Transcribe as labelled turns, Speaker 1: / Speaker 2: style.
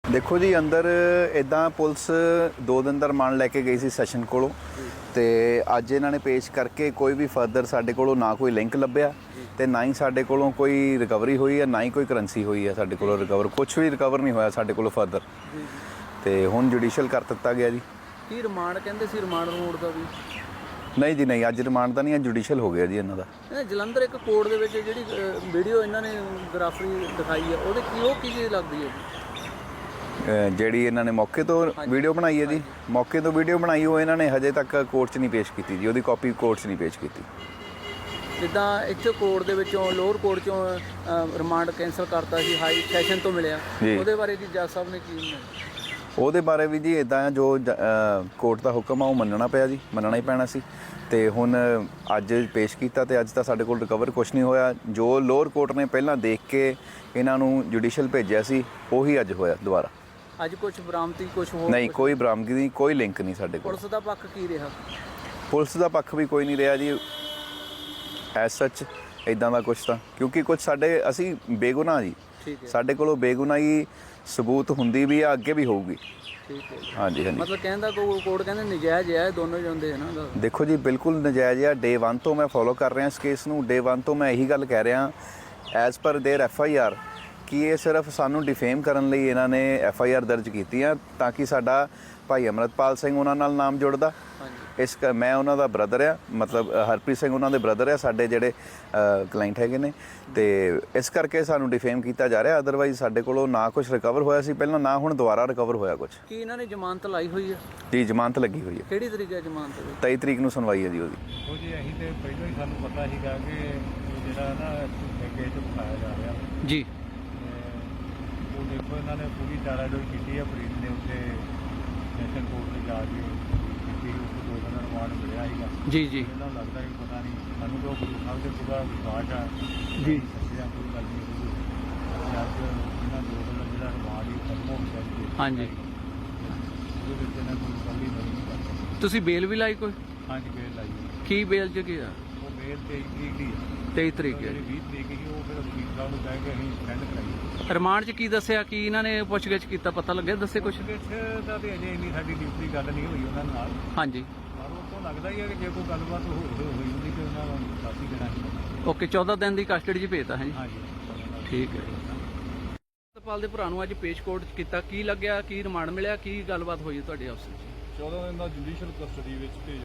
Speaker 1: देखो जी अंदर इदां पुलिस 2 दिन दा रिमांड लैके गई सी सैशन कोलों ते अज इन्हां ने पेश करके कोई भी फर्दर साडे कोलों ना कोई लिंक लभ्या ते ना ही साडे कोलों कोई रिकवरी हुई है ना ही कोई करंसी हुई है साडे कोलों रिकवर कुछ भी रिकवर नहीं होया साडे कोलों फर्दर ते हुण जुडिशियल कर दित्ता गया जी।
Speaker 2: की रिमांड कहंदे सी रिमांड रोड दा भी
Speaker 1: नहीं जी नहीं अज रिमांड दा नहीं अज जुडिशियल हो गया जी इन्हां दा।
Speaker 2: जलंधर एक कोर्ट दे विच जिहड़ी वीडियो इन्हां ने ग्राफरी दिखाई है ਉਹਦੇ ਕੀ ਉਹ ਕੀ ਚੀਜ਼ ਲੱਗਦੀ ਹੈ ਜੀ
Speaker 1: ਜਿਹੜੀ ਇਹਨਾਂ ਨੇ ਮੌਕੇ ਤੋਂ ਵੀਡੀਓ ਬਣਾਈ ਹੈ ਜੀ ਮੌਕੇ ਤੋਂ ਵੀਡੀਓ ਬਣਾਈ ਉਹ ਇਹਨਾਂ ਨੇ ਹਜੇ ਤੱਕ ਕੋਰਟ 'ਚ ਨਹੀਂ ਪੇਸ਼ ਕੀਤੀ ਜੀ ਉਹਦੀ ਕਾਪੀ ਕੋਰਟ 'ਚ ਨਹੀਂ ਪੇਸ਼ ਕੀਤੀ।
Speaker 2: ਜਿੱਦਾਂ ਇੱਥੇ ਕੋਰਟ ਦੇ ਵਿੱਚੋਂ ਲੋਅਰ ਕੋਰਟ 'ਚੋਂ ਰਿਮਾਂਡ ਕੈਂਸਲ ਕਰਤਾ ਸੀ ਹਾਈ ਸੈਸ਼ਨ ਤੋਂ ਮਿਲਿਆ ਉਹਦੇ ਬਾਰੇ ਜੀ ਜੱਜ ਸਾਹਿਬ ਨੇ ਕੀ
Speaker 1: ਉਹਦੇ ਬਾਰੇ ਵੀ ਜੀ ਇਦਾਂ ਜੋ ਕੋਰਟ ਦਾ ਹੁਕਮ ਆ ਉਹ ਮੰਨਣਾ ਪਿਆ ਜੀ ਮੰਨਣਾ ਹੀ ਪੈਣਾ ਸੀ ਤੇ ਹੁਣ ਅੱਜ ਪੇਸ਼ ਕੀਤਾ ਤੇ ਅੱਜ ਤਾਂ ਸਾਡੇ ਕੋਲ ਰਿਕਵਰ ਕੁਝ ਨਹੀਂ ਹੋਇਆ ਜੋ ਲੋਅਰ ਕੋਰਟ ਨੇ ਪਹਿਲਾਂ ਦੇਖ ਕੇ ਇਹਨਾਂ ਨੂੰ ਜੁਡੀਸ਼ੀਅਲ ਭੇਜਿਆ ਸੀ ਉਹੀ ਅੱਜ ਹੋਇਆ ਦੁਬਾਰਾ।
Speaker 2: ਅੱਜ ਕੁਝ ਬਰਾਮਦੀ ਕੁਝ ਹੋਰ
Speaker 1: ਨਹੀਂ ਕੋਈ ਬਰਾਮਦਗੀ ਨਹੀਂ ਕੋਈ ਲਿੰਕ ਨਹੀਂ ਸਾਡੇ ਕੋਲ।
Speaker 2: ਪੁਲਿਸ ਦਾ ਪੱਖ ਕੀ ਰਿਹਾ?
Speaker 1: ਪੁਲਿਸ ਦਾ ਪੱਖ ਵੀ ਕੋਈ ਨਹੀਂ ਰਿਹਾ ਜੀ ਐਸ ਸੱਚ ਇਦਾਂ ਦਾ ਕੁਝ ਤਾਂ ਕਿਉਂਕਿ ਕੁਝ ਸਾਡੇ ਅਸੀਂ ਬੇਗੁਨਾਹ ਜੀ ਸਾਡੇ ਕੋਲੋਂ ਬੇਗੁਨਾਹੀ ਸਬੂਤ ਹੁੰਦੀ ਵੀ ਆ ਅੱਗੇ ਵੀ ਹੋਊਗੀ।
Speaker 2: ਠੀਕ ਹੈ
Speaker 1: ਹਾਂਜੀ ਹਾਂਜੀ
Speaker 2: ਮਤਲਬ ਕਹਿੰਦਾ ਕੋਰਟ ਕਹਿੰਦੇ ਨਜਾਇਜ਼ ਹੈ ਦੋਨੋਂ ਜਾਂਦੇ ਹਨ ਨਾ।
Speaker 1: ਦੇਖੋ ਜੀ ਬਿਲਕੁਲ ਨਜਾਇਜ਼ ਆ ਡੇ 1 ਤੋਂ ਮੈਂ ਫੋਲੋ ਕਰ ਰਿਹਾ ਇਸ ਕੇਸ ਨੂੰ ਡੇ 1 ਤੋਂ ਮੈਂ ਇਹੀ ਗੱਲ ਕਹਿ ਰਿਹਾ ਐਜ਼ ਪਰ ਦੇਅਰ FIR ਕਿ ਇਹ ਸਿਰਫ ਸਾਨੂੰ ਡਿਫੇਮ ਕਰਨ ਲਈ ਇਹਨਾਂ ਨੇ FIR ਦਰਜ ਕੀਤੀ ਆ ਤਾਂ ਕਿ ਸਾਡਾ ਭਾਈ ਅਮਰਤਪਾਲ ਸਿੰਘ ਉਹਨਾਂ ਨਾਲ ਨਾਮ ਜੁੜਦਾ ਇਸ ਮੈਂ ਉਹਨਾਂ ਦਾ ਬ੍ਰਦਰ ਆ ਮਤਲਬ ਹਰਪ੍ਰੀਤ ਸਿੰਘ ਉਹਨਾਂ ਦੇ ਬ੍ਰਦਰ ਆ ਸਾਡੇ ਜਿਹੜੇ ਕਲਾਇੰਟ ਹੈਗੇ ਨੇ ਤੇ ਇਸ ਕਰਕੇ ਸਾਨੂੰ ਡਿਫੇਮ ਕੀਤਾ ਜਾ ਰਿਹਾ ਅਦਰਵਾਈਜ਼ ਸਾਡੇ ਕੋਲੋਂ ਨਾ ਕੁਝ ਰਿਕਵਰ ਹੋਇਆ ਸੀ ਪਹਿਲਾਂ ਨਾ ਹੁਣ ਦੁਬਾਰਾ ਰਿਕਵਰ ਹੋਇਆ ਕੁਝ।
Speaker 2: ਕੀ ਇਹਨਾਂ ਨੇ ਜ਼ਮਾਨਤ ਲਾਈ ਹੋਈ ਹੈ?
Speaker 1: ਜੀ ਜ਼ਮਾਨਤ ਲੱਗੀ ਹੋਈ ਹੈ।
Speaker 2: ਕਿਹੜੀ ਤਰੀਕ ਹੈ ਜ਼ਮਾਨਤ ਦੀ?
Speaker 1: 23 ਤਰੀਕ ਨੂੰ ਸੁਣਵਾਈ ਹੈ ਜੀ ਉਹਦੀ।
Speaker 3: ਉਹ ਜੀ ਅਸੀਂ ਤੇ ਪਹਿਲਾਂ ਹੀ ਸਾਨੂੰ ਪਤਾ ਸੀਗਾ ਕਿ ਜਿਹੜਾ ਨਾ ਕੇਸ ਉਠਾਇਆ ਜਾ ਰਿਹਾ
Speaker 2: ਜੀ
Speaker 3: ਉਹ ਦੇਖੋ ਇਹਨਾਂ ਨੇ ਪੂਰੀ ਚਾਰਾਜੋਈ ਕੀਤੀ ਹੈ ਪ੍ਰੀਤ ਨੇ ਉੱਥੇ ਸੈਸ਼ਨ ਕੋਰਟ ਤੇ ਜਾ ਕੇ ਕੀਤੀ ਉਸ ਤੋਂ 2 ਦਿਨ ਦਾ ਰਿਮਾਂਡ ਮਿਲਿਆ ਸੀਗਾ
Speaker 2: ਜੀ ਜੀ
Speaker 3: ਇਹਨਾਂ ਨੂੰ ਲੱਗਦਾ ਕਿ ਪਤਾ ਨਹੀਂ ਸਾਨੂੰ ਤਾਂ ਗੁਰੂ ਸਾਹਿਬ ਦੇ ਪੂਰਾ ਵਿਸ਼ਵਾਸ ਆ
Speaker 2: ਜੀ
Speaker 3: ਸੱਚਿਆ ਕੋਈ ਗੱਲ ਨਹੀਂ ਹੋਈ ਅੱਜ ਇਹਨਾਂ 2 ਦਿਨ ਦਾ ਜਿਹੜਾ ਰਿਮਾਂਡ ਹੀ ਖਤਮ ਹੋ ਗਿਆ ਜੀ।
Speaker 2: ਹਾਂਜੀ
Speaker 3: ਉਹਦੇ ਵਿੱਚ ਇਹਨਾਂ ਕੋਈ ਗੱਲ ਹੀ ਨਹੀਂ ਕਰਦਾ।
Speaker 2: ਤੁਸੀਂ ਬੇਲ ਵੀ ਲਾਈ ਕੋਈ?
Speaker 3: ਹਾਂਜੀ ਬੇਲ ਲਾਈ ਹੋਈ।
Speaker 2: ਕੀ ਬੇਲ ਚ ਕੀ ਆ?
Speaker 3: ਉਹ ਬੇਲ 23 ਤਰੀਕ ਦੀ ਹੈ।
Speaker 2: 23 ਤਰੀਕ ਹੈ।
Speaker 3: ਜਿਹੜੀ 20 ਤਰੀਕ ਸੀ ਉਹ ਫਿਰ ਵਕੀਲ ਸਾਹਿਬ ਨੂੰ ਕਹਿ ਕੇ ਅਸੀਂ ਸਟੈਂਡ ਕਰਾਈ।
Speaker 2: ਰਿਮਾਂਡ 'ਚ ਕੀ ਦੱਸਿਆ ਕੀ ਇਹਨਾਂ ਨੇ ਪੁੱਛਗਿੱਛ ਕੀਤਾ ਪਤਾ ਲੱਗਿਆ ਦੱਸੇ ਕੁਝ?
Speaker 3: ਪੁੱਛਗਿੱਛ ਦਾ ਤੇ ਅਜੇ ਇੰਨੀ ਸਾਡੀ ਡਿਊਟੀ ਗੱਲ ਨਹੀਂ ਹੋਈ ਉਹਨਾਂ ਨਾਲ
Speaker 2: ਹਾਂਜੀ
Speaker 3: ਪਰ ਉਹ ਤੋਂ ਲੱਗਦਾ ਹੀ ਹੈ ਕਿ ਜੇ ਕੋਈ ਗੱਲਬਾਤ ਹੋਈ ਹੁੰਦੀ ਤੇ ਉਹਨਾਂ ਨੂੰ ਦੱਸ ਹੀ ਦੇਣਾ ਸੀ।
Speaker 2: ਓਕੇ 14 ਦਿਨ ਦੀ ਕਸਟਡੀ 'ਚ ਭੇਜਤਾ ਹੈ ਜੀ।
Speaker 3: ਹਾਂਜੀ
Speaker 2: ਠੀਕ ਹੈ। ਅਮਰਤਪਾਲ ਦੇ ਭਰਾ ਨੂੰ ਅੱਜ ਪੇਸ਼ ਕੋਰਟ 'ਚ ਕੀਤਾ ਕੀ ਲੱਗਿਆ ਕੀ ਰਿਮਾਂਡ ਮਿਲਿਆ ਕੀ ਗੱਲਬਾਤ ਹੋਈ ਤੁਹਾਡੇ ਆਪਸ ਵਿੱਚ?
Speaker 4: 14 ਦਿਨ ਦਾ ਜੁਡੀਸ਼ੀਅਲ ਕਸਟਡੀ ਵਿੱਚ ਭੇਜ